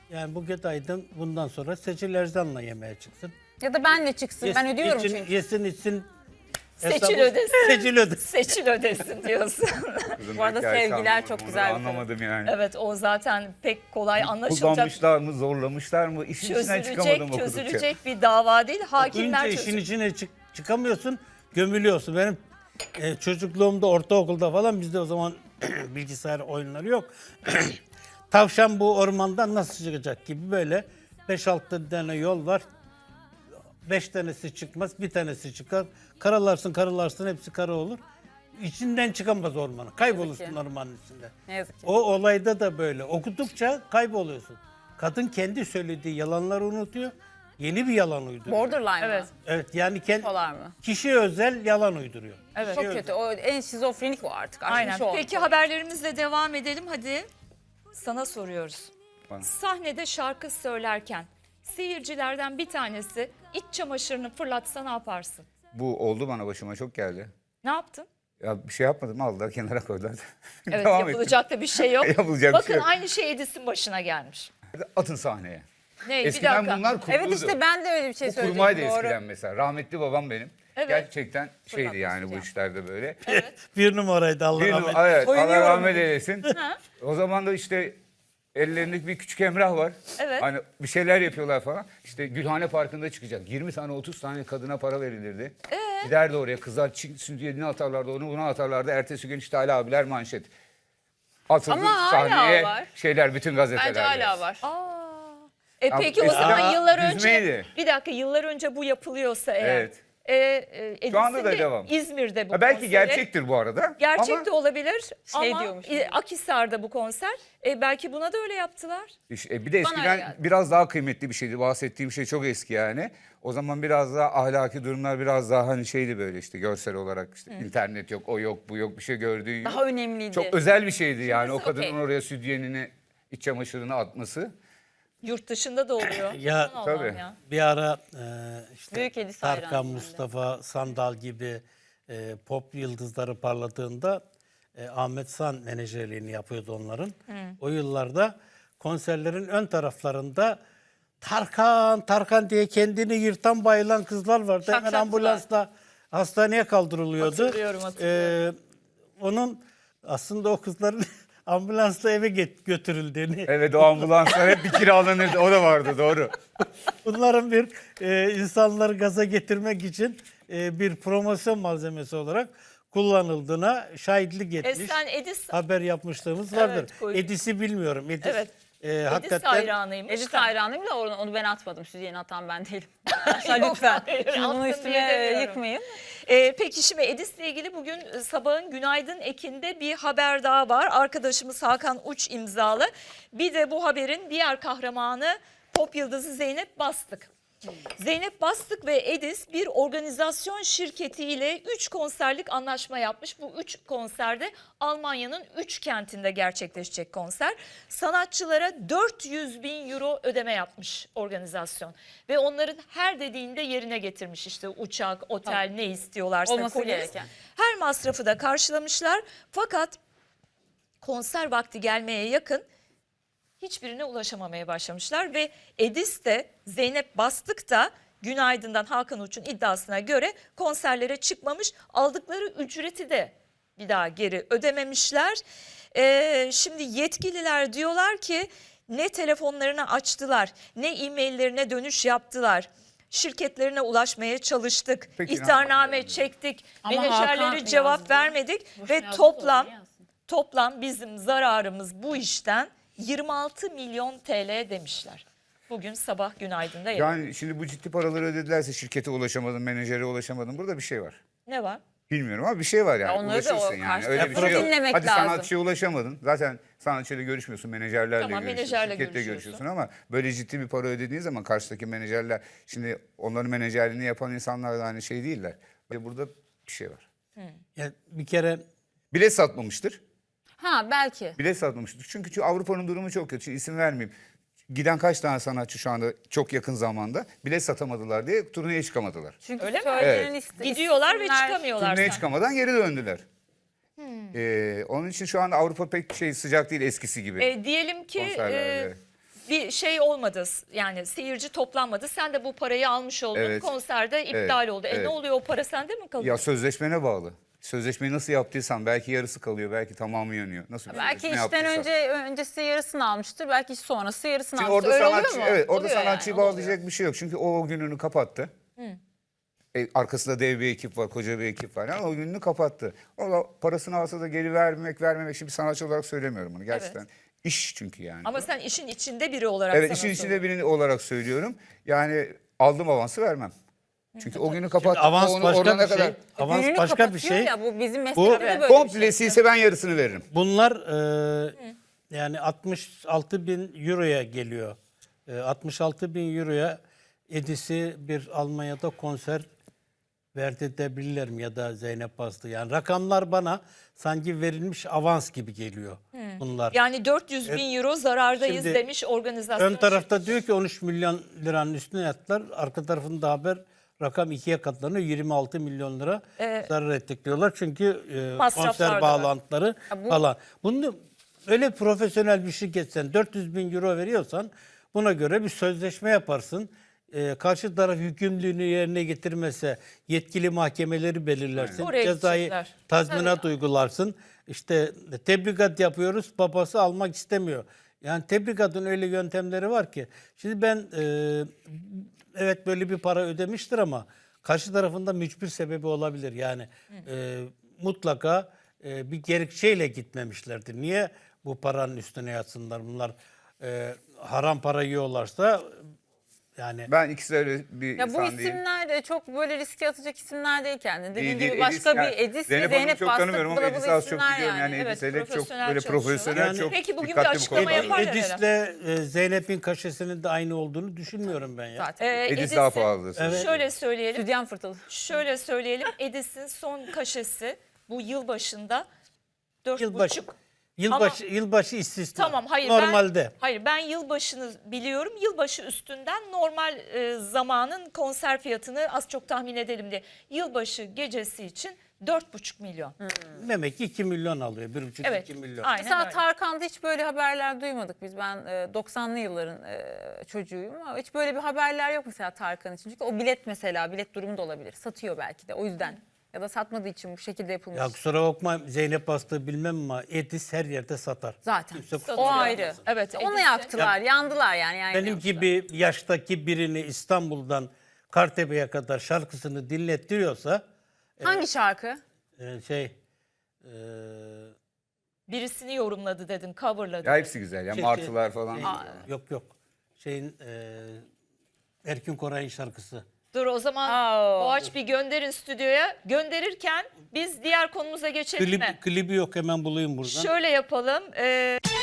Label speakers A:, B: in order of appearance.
A: Yani Buket Aydın bundan sonra Seçil Erzan'la yemeğe çıksın.
B: Ya da benle çıksın. Ben ödüyorum çünkü.
A: Yesin içsin.
C: Seçil
A: hesabı-
C: ödesin.
A: Seçil ödesin.
C: Seçil ödesin diyorsun.
B: Bu arada sevgiler çok güzel bir
D: Anlamadım yani.
C: Evet, o zaten pek kolay anlaşılacak.
D: Kullanmışlar mı, zorlamışlar mı? İşin içinden çıkamadım okudukça.
C: Çözülecek bir dava değil. Hakimler
A: Okuyunca işin
C: çözecek.
A: içine çıkamıyorsun, gömülüyorsun. Benim çocukluğumda, ortaokulda falan bizde o zaman bilgisayar oyunları yok. Tavşan bu ormandan nasıl çıkacak gibi böyle 5-6 tane yol var. 5 tanesi çıkmaz, bir tanesi çıkar. Karalarsın, hepsi kara olur. İçinden çıkamaz ormanın. Kaybolursun ormanın içinde.
B: Ne yazık ki.
A: O olayda da böyle. Okudukça kayboluyorsun. Kadın kendi söylediği yalanları unutuyor. Yeni bir yalan uyduruyor.
B: Borderline
C: Evet.
B: mı?
A: Evet yani
B: Polar mı?
A: kişi özel yalan uyduruyor.
C: Evet.
B: Çok kötü. O en şizofrenik o artık.
C: Aynen.
B: Aşmış o.
C: Peki haberlerimizle devam edelim. Hadi sana soruyoruz.
D: Bana.
C: Sahnede şarkı söylerken seyircilerden bir tanesi iç çamaşırını fırlatsa ne yaparsın?
D: Bu oldu bana başıma çok geldi.
C: Ne yaptın?
D: Ya bir şey yapmadım aldılar kenara koydular.
C: Evet,
D: Devam ettim.
C: yapılacak da bir şey yok.
D: Yapılacak bir
C: Bakın
D: şey yok.
C: aynı şey Edis'in başına gelmiş.
D: Atın sahneye.
C: Ne? Bir
D: Eskiden
C: dakika.
D: bunlar kuruluydu.
B: Evet işte ben de öyle bir şey
D: Bu
B: söyleyecektim.
D: kurmaydı
B: Doğru.
D: eskiden mesela. Rahmetli babam benim.
C: Evet.
D: Gerçekten şeydi
B: Fırlatması
D: yani bu
B: ya.
D: işlerde böyle.
A: Bir numaraydı Allah
D: Bir,
A: rahmet eylesin.
D: evet, Allah
B: Soyunuyorum.
D: rahmet eylesin. O zaman da işte ellerinde bir küçük Emrah var.
C: Evet.
D: Hani bir şeyler yapıyorlar falan. İşte Gülhane Parkı'nda çıkacak. 20 tane 30 tane kadına para verilirdi. Giderdi oraya kızlar sütyeni atarlardı onu buna atarlardı. Ertesi gün işte Ali abiler manşet. Atıldı
B: Ama hala
D: sahneye
B: var.
D: şeyler bütün gazetelerde.
B: Bence hala var.
C: Peki o
D: eskiden
C: zaman yıllar önce
D: düzmeydi.
C: bir dakika yıllar önce bu yapılıyorsa eğer.
D: Evet.
C: Edis'in
D: anda da
C: de
D: devam.
C: İzmir'de bu
D: Ha, belki
C: konseri.
D: gerçektir bu arada.
C: Gerçek
D: ama
C: de olabilir
B: Şey
C: ama
B: diyormuş.
C: Akhisar'da bu konser. Belki buna da öyle yaptılar.
D: bir de
B: Bana öyle
D: eskiden
B: geldi.
D: biraz daha kıymetli bir şeydi. Bahsettiğim şey çok eski yani. O zaman biraz daha ahlaki durumlar biraz daha hani şeydi böyle işte görsel olarak işte internet yok, o yok, bu yok, bir şey gördüğün yok.
B: Daha önemliydi.
D: Çok özel bir şeydi yani o
B: Şimdisi
D: kadının
B: okey.
D: oraya sütyenini, iç çamaşırını atması.
C: Yurt dışında da oluyor.
A: Ya
C: Aman
D: tabii.
C: Allah'ım ya.
A: bir ara işte
B: Büyük Edis
A: Tarkan,
B: hayranıyım ben de.
A: Mustafa Sandal gibi pop yıldızları parladığında Ahmet San menajerliğini yapıyordu onların. O yıllarda konserlerin ön taraflarında Tarkan diye kendini yırtan bayılan kızlar vardı. Hemen
C: Şakşakçılar.
A: ambulansla hastaneye kaldırılıyordu.
C: Hatırlıyorum.
A: Onun aslında o kızların ambulansla eve götürüldüğünü,
D: Evet o ambulanslar hep bir kiralanırdı. O da vardı doğru.
A: bunların bir insanları gaza getirmek için bir promosyon malzemesi olarak kullanıldığına şahitlik etmiş.
C: Sen Edis,
A: Haber yapmışlığımız vardır.
C: koydum.
A: Edis'i bilmiyorum. Edis,
C: Evet. Edis
A: hakikaten
C: hayranıymış.
B: Edis
C: da.
B: hayranıyım da onu ben atmadım. Sütyeni atan ben değilim. Lütfen.
C: hayır,
B: Şimdi
C: attım
B: bunu
C: diye
B: üstüme
C: demiyorum.
B: yıkmayın.
C: Peki şimdi Edis'le ilgili bugün sabahın Günaydın Ekin'de bir haber daha var. Arkadaşımız Hakan Uç imzalı. Bir de bu haberin diğer kahramanı pop yıldızı Zeynep Bastık. Zeynep Bastık ve Edis bir organizasyon şirketiyle 3 konserlik anlaşma yapmış. Bu 3 konserde Almanya'nın 3 kentinde gerçekleşecek konser. Sanatçılara 400 bin euro ödeme yapmış organizasyon. Ve onların her dediğinde yerine getirmiş işte uçak, otel ne istiyorlarsa.
B: Olması
C: polis.
B: gereken.
C: Her masrafı da karşılamışlar. Fakat konser vakti gelmeye yakın hiçbirine ulaşamamaya başlamışlar ve Edis de Zeynep Bastık da Günaydın'dan Hakan Uç'un iddiasına göre konserlere çıkmamış, aldıkları ücreti de bir daha geri ödememişler. Şimdi yetkililer diyorlar ki ne telefonlarını açtılar, ne e-maillerine dönüş yaptılar. Şirketlerine ulaşmaya çalıştık,
D: Peki,
C: ihtarname çektik,
B: Ama
C: menajerleri
B: Hakan
C: cevap
B: yazdı.
C: vermedik
B: Boşuna
C: ve
B: yazdı,
C: toplam
B: doğru, yazsın.
C: Toplam bizim zararımız bu işten 26 milyon TL demişler. Bugün sabah Günaydın'da
D: Yani şimdi bu ciddi paraları ödedilerse şirkete ulaşamadım, menajere ulaşamadım. Burada bir şey var.
C: ne var?
D: Bilmiyorum ama bir şey var yani.
B: Ya onları da o
D: Ulaşırsın yani.
B: karşı
D: Öyle bir
A: tarafı
D: şey yok.
B: dinlemek
D: Hadi
B: lazım.
D: sanatçıya ulaşamadın. Zaten sanatçıyla görüşmüyorsun, menajerlerle
C: Tamam,
D: görüşüyorsun,
C: menajerle
D: şirketle
C: görüşüyorsun.
D: görüşüyorsun ama böyle ciddi bir para ödediğin zaman karşıdaki menajerler şimdi onların menajerliğini yapan insanlar da aynı şey değiller. Ve burada bir şey var.
A: yani bir kere
D: Bilet satmamıştır.
B: Ha belki.
D: Bilet satmamıştır. Çünkü Avrupa'nın durumu çok kötü. İsim vermeyeyim. Giden kaç tane sanatçı şu anda çok yakın zamanda bilet satamadılar diye turneye çıkamadılar.
B: Çünkü
C: Öyle mi?
B: söylenen
D: Evet.
C: Gidiyorlar ve
B: isimler-
C: çıkamıyorlar.
D: Turneye
C: sen.
D: çıkamadan geri döndüler. Onun için şu anda Avrupa pek sıcak değil eskisi gibi.
C: Diyelim ki
D: konserlerde.
C: bir şey olmadı. Yani seyirci toplanmadı. Sen de bu parayı almış oldun.
D: Evet.
C: Konserde iptal
D: Evet,
C: oldu.
D: evet.
C: Ne oluyor, o para sende mi kalıyor?
D: Ya sözleşmene bağlı. Sözleşmeyi nasıl yaptıysan belki yarısı kalıyor, belki tamamı yanıyor. Nasıl bir
B: Belki
D: sözleşme
B: işten
D: yaptıysan.
B: öncesi yarısını almıştır. Belki iş sonrası yarısını
D: Şimdi
B: almıştır.
D: orada
B: Öyle
D: sanatçı,
B: oluyor mu?
D: evet, orada
B: Oluyor
D: sanatçıyı
B: yani, o da
D: bağlayacak bir şey yok. Çünkü o gününü kapattı. Arkasında dev bir ekip var, koca bir ekip var. Yani o gününü kapattı. O da parasını alsa da geri vermemek. Şimdi sanatçı olarak söylemiyorum bunu gerçekten. İş çünkü yani.
C: Ama sen işin içinde biri olarak
D: Evet,
C: sana
D: işin içinde
C: soruyorum.
D: birini olarak söylüyorum. Yani aldım avansı vermem. Çünkü o günü kapattı.
A: Avans
D: Onu
A: başka
D: orana
A: bir şey.
D: kadar.
A: Avans
B: Gününü
A: başka bir
B: kapatıyor
A: şey.
B: Ya, bu bizim
A: Bu-
B: meslekte de böyle bir
D: Komplesi
B: şey.
D: ise ben yarısını veririm.
A: Bunlar yani 66 bin euroya geliyor. 66 bin euroya Edis'i bir Almanya'da konser verdirtebilirler mi ya da Zeynep Baslı? Yani rakamlar bana sanki verilmiş avans gibi geliyor bunlar.
C: Yani 400 bin euro zarardayız
A: Şimdi
C: demiş organizasyon.
A: Ön tarafta diyor ki 13 milyon liranın üstüne yattılar. Arka tarafında haber rakam 2'ye katlanıyor. 26 milyon lira zarar ettik diyorlar. Çünkü
C: Masraflar da
A: konser
C: var.
A: bağlantıları falan. Bunu öyle profesyonel bir şirketsen 400 bin euro veriyorsan buna göre bir sözleşme yaparsın. Karşı taraf yükümlülüğünü yerine getirmese yetkili mahkemeleri belirlersin.
C: Oraya
A: Cezayı
C: gidecekler.
A: tazminat uygularsın. İşte tebrikat yapıyoruz, babası almak istemiyor. Yani tebrikatın öyle yöntemleri var ki. Şimdi ben evet böyle bir para ödemiştir ama karşı tarafında mücbir sebebi olabilir. Yani mutlaka bir gerekçeyle gitmemişlerdir. Niye bu paranın üstüne yatsınlar? Bunlar haram para yiyorlarsa yani
D: Ben ikisi de öyle bir
B: Ya bu
D: insan değilim.
B: isimler de çok böyle riske atacak isimler değil kendini. Dediğin
D: Değil,
B: gibi
D: değil.
B: başka
D: Edis,
B: bir Edis ve
D: Zeynep Hanım'ı
B: Zeynep
D: çok
B: Bastık
D: tanımıyorum ama
B: bula bula
D: Edis'i az çok
B: isimler
D: biliyorum. Yani
C: Evet,
D: Edis hele çok
C: profesyonel
D: böyle
C: çalışıyorlar.
D: profesyonel,
A: Yani-
D: çok
C: Peki bugün bir
D: dikkatli bu
C: açıklama
D: konuda.
C: yapar herhalde.
A: Edis'le Zeynep'in kaşesinin de aynı olduğunu düşünmüyorum ben ya.
B: zaten.
D: Edis daha pahalı.
A: Evet.
C: Şöyle söyleyelim.
B: Südyen fırtılı.
C: Şöyle söyleyelim. Edis'in son kaşesi bu yılbaşında 4,5.
A: Yılbaşı istisna.
C: Tamam, hayır
A: Normalde.
C: ben yılbaşını biliyorum. Yılbaşı üstünden normal zamanın konser fiyatını az çok tahmin edelim diye. Yılbaşı gecesi için 4,5 milyon.
A: Demek ki 2 milyon alıyor. 1,5-2
C: Evet.
A: milyon.
C: Aynen
B: Mesela
C: öyle.
B: Tarkan'da hiç böyle haberler duymadık biz. Ben 90'lı yılların çocuğuyum ama hiç böyle bir haberler yok mesela Tarkan için. Çünkü o bilet mesela bilet durumu da olabilir. Satıyor belki de o yüzden. Ya da satmadığı için bu şekilde yapılmış.
A: Ya kusura bakma Zeynep Bastığı bilmem ama Edis her yerde satar.
B: Zaten.
A: Kimse kusura
B: O
A: bakmasın.
B: ayrı.
C: Evet,
B: Onu
C: Edis'e-
B: yaktılar, yandılar yani.
A: Benim
B: yapmışlar.
A: gibi yaştaki birini İstanbul'dan Kartepe'ye kadar şarkısını dinlettiriyorsa
B: Hangi şarkı?
A: şey
C: Birisini yorumladı dedin, coverladı.
D: Ya hepsi güzel ya,
A: Şey-
D: martılar falan.
A: şey- yok şeyin Erkin Koray'ın şarkısı.
C: Dur o zaman
B: Aa.
C: Boğaç bir gönderin stüdyoya. Gönderirken biz diğer konumuza geçelim mi?
A: Klibi yok hemen bulayım buradan.
C: Şöyle yapalım.